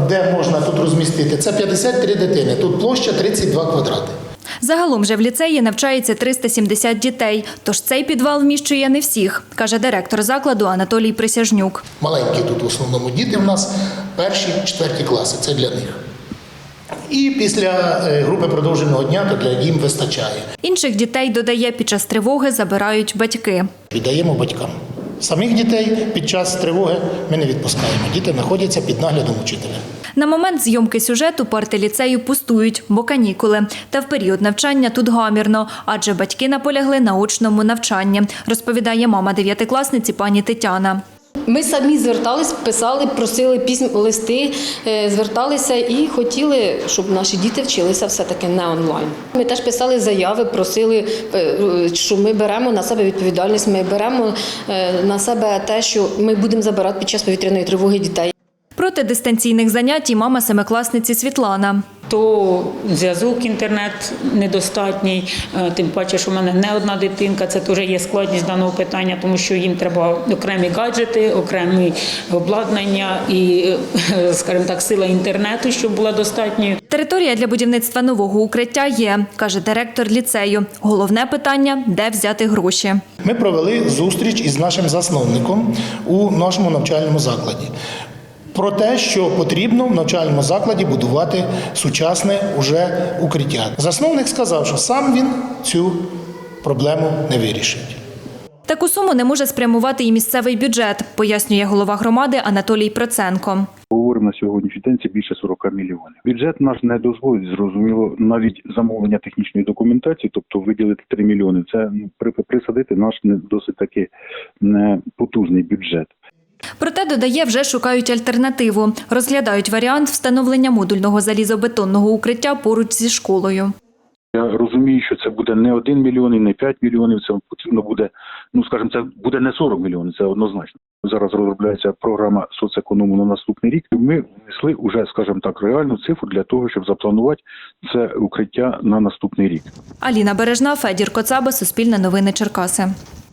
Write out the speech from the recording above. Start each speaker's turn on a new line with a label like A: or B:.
A: де можна тут розмістити, це 53 дитини, тут площа 32 квадрати.
B: Загалом же в ліцеї навчається 370 дітей, тож цей підвал вміщує не всіх, каже директор закладу Анатолій Присяжнюк.
A: Маленькі тут в основному діти в нас, перші, четверті класи, це для них. І після групи продовженого дня, то для їм вистачає.
B: Інших дітей, додає, під час тривоги забирають батьки.
A: Віддаємо батькам. Самих дітей під час тривоги ми не відпускаємо. Діти знаходяться під наглядом учителя.
B: На момент зйомки сюжету парти ліцею пустують, бо канікули. Та в період навчання тут гамірно, адже батьки наполягли на очному навчанні, розповідає мама дев'ятикласниці пані Тетяна.
C: Ми самі звертались, писали, просили листи, зверталися і хотіли, щоб наші діти вчилися все-таки не онлайн. Ми теж писали заяви, просили, що ми беремо на себе відповідальність, ми беремо на себе те, що ми будемо забирати під час повітряної тривоги дітей.
B: Проти дистанційних занять і мама семикласниці Світлана.
D: То зв'язок, інтернет недостатній, тим паче, що в мене не одна дитинка, це теж є складність даного питання, тому що їм треба окремі гаджети, окремі обладнання і, скажімо так, сила інтернету, щоб була достатньою.
B: Територія для будівництва нового укриття є, каже директор ліцею. Головне питання – де взяти гроші.
A: Ми провели зустріч із нашим засновником у нашому навчальному закладі. Про те, що потрібно в навчальному закладі будувати сучасне уже укриття. Засновник сказав, що сам він цю проблему не вирішить.
B: Таку суму не може спрямувати і місцевий бюджет, пояснює голова громади Анатолій Проценко.
E: Говоримо на сьогоднішній день, це більше 40 мільйонів. Бюджет наш не дозволить, зрозуміло, навіть замовлення технічної документації, тобто виділити 3 мільйони. Це присадити наш досить таки потужний бюджет.
B: Проте, додає, вже шукають альтернативу. Розглядають варіант встановлення модульного залізобетонного укриття поруч зі школою.
E: Я розумію, що це буде не 1 мільйон і не 5 мільйонів, це потрібно буде, скажімо, це буде не 40 мільйонів, це однозначно. Зараз розробляється програма соцеконому на наступний рік. Ми внесли уже, скажімо так, реальну цифру для того, щоб запланувати це укриття на наступний рік.
B: Аліна Бережна, Федір Коцаба, Суспільне новини Черкаси.